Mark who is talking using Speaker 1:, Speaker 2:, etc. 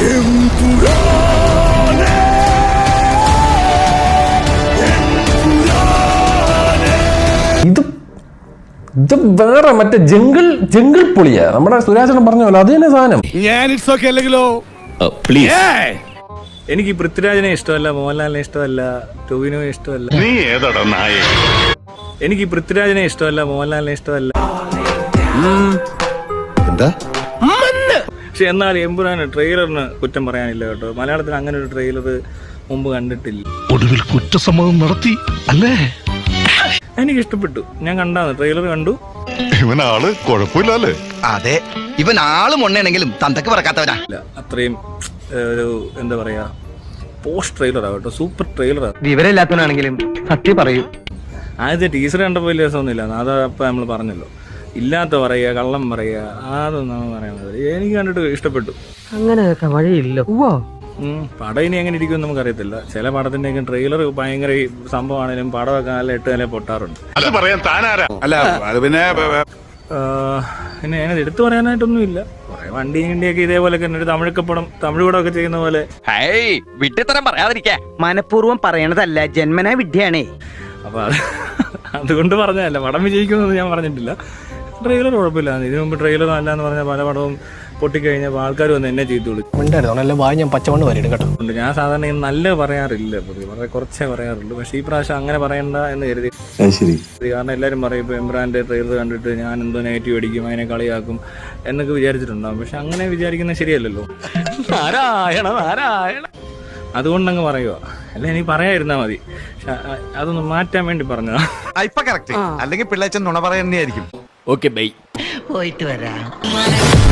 Speaker 1: ഇത് വേറെ മറ്റേ ജംഗിൾ പൊളിയാ. നമ്മുടെ സുരാജനം പറഞ്ഞ പോലെ അത് തന്നെ സാധനം.
Speaker 2: എനിക്ക് പൃഥ്വിരാജിനെ ഇഷ്ടമല്ല, മോഹൻലാലിനെ ഇഷ്ടമല്ല, ടോവിനോയെ ഇഷ്ടമല്ല.
Speaker 3: നീ ഏതാടാ നായ?
Speaker 2: എനിക്ക് പൃഥ്വിരാജിനെ ഇഷ്ടമല്ല, മോഹൻലാലിനെ ഇഷ്ടമല്ല.
Speaker 3: എന്താ?
Speaker 2: പക്ഷെ എന്നാൽ എമ്പുരാന് ട്രെയിലറിന് കുറ്റം പറയാനില്ല കേട്ടോ. മലയാളത്തിൽ അങ്ങനെ ഒരു ട്രെയിലർ മുമ്പ് കണ്ടിട്ടില്ല.
Speaker 3: ഒടുവിൽ കുറ്റസമ്മതം നടത്തി അല്ലേ?
Speaker 2: എനിക്ക് ഇഷ്ടപ്പെട്ടു. ഞാൻ കണ്ടാന്ന് ട്രെയിലർ കണ്ടു.
Speaker 3: ഇവനാള് കുഴപ്പമില്ലല്ലേ?
Speaker 4: അതെ, ഇവൻ ആള് മൊണ്ണയാണെങ്കിലും തന്തക്ക് പറക്കാത്തവനാ.
Speaker 2: അത്രയും ഒരു എന്താ പറയാ, പോസ്റ്റ് ട്രെയിലറാ കേട്ടോ. സൂപ്പർ ട്രെയിലറാ.
Speaker 4: വിവരമില്ലാത്തവനാണെങ്കിലും സത്യം പറയൂ.
Speaker 2: ആദ്യത്തെ ടീച്ചർ കണ്ടപ്പോൾ വലിയ രസമൊന്നുമില്ല. അതപ്പം നമ്മൾ പറഞ്ഞല്ലോ, ഇല്ലാത്ത പറയുക, കള്ളം പറയുക, അതൊന്നും പറയാൻ. എനിക്ക് കണ്ടിട്ട് ഇഷ്ടപ്പെട്ടു.
Speaker 4: അങ്ങനെയൊക്കെ വഴിയില്ല.
Speaker 2: പടം ഇനി എങ്ങനെ ഇരിക്കുമെന്ന് നമുക്കറിയത്തില്ല. ചില പടത്തിൻ്റെയൊക്കെ ട്രെയിലർ ഭയങ്കര സംഭവമാണെങ്കിലും പടമൊക്കെ നല്ല 8 നില പൊട്ടാറുണ്ട്.
Speaker 3: അത് പറയാൻ താനാരാ? അല്ല അത് പിന്നെ
Speaker 2: അതിനത് എടുത്തു പറയാനായിട്ടൊന്നുമില്ല. കുറെ വണ്ടിയൊക്കെ ഇതേപോലെയൊക്കെ തമിഴ് പടമൊക്കെ ചെയ്യുന്ന പോലെ.
Speaker 4: വിഡ്ഢിത്തരം പറയാതിരിക്കാ. മനഃപൂർവ്വം പറയണതല്ല, ജന്മനാ വിഡ്ഢിയാണേ.
Speaker 2: അപ്പൊ അതുകൊണ്ട് പറഞ്ഞതല്ല. പടം വിജയിക്കുമെന്ന് ഞാൻ പറഞ്ഞിട്ടില്ല. ട്രെയിലർ കുഴപ്പമില്ല. ഇതിനു മുമ്പ് ട്രെയിലർ നല്ല എന്ന് പറഞ്ഞാൽ പല പടവും പൊട്ടിക്കഴിഞ്ഞപ്പോൾ ആൾക്കാർ വന്ന് എന്നെ ചെയ്തു വിളിക്കും.
Speaker 1: ഞാൻ പച്ചമണ്ണ് വരും കേട്ടോ.
Speaker 2: ഞാൻ സാധാരണ നല്ല പറയാറില്ല, വളരെ കുറച്ചേ പറയാറുള്ളൂ. പക്ഷേ ഈ പ്രാവശ്യം അങ്ങനെ പറയണ്ട എന്ന് കരുതി. കാരണം എല്ലാവരും പറയും ഇപ്പോൾ എംബ്രാൻ്റെ ട്രെയിലർ കണ്ടിട്ട് ഞാൻ എന്തോ നെഗറ്റീവ് അടിക്കും, അതിനെ കളിയാക്കും എന്നൊക്കെ വിചാരിച്ചിട്ടുണ്ടാകും. പക്ഷെ അങ്ങനെ വിചാരിക്കുന്നത് ശരിയല്ലല്ലോ. അതുകൊണ്ടങ്ങ് പറയുക. അല്ല, എനിക്ക് പറയാതിരുന്നാൽ മതി. അതൊന്ന് മാറ്റാൻ വേണ്ടി പറഞ്ഞതാ.
Speaker 5: അല്ലെങ്കിൽ പിള്ളേച്ചൻ നുണ പറയുന്നതായിരിക്കും.
Speaker 4: Okay, bye. പോയിട്ട് വരാം.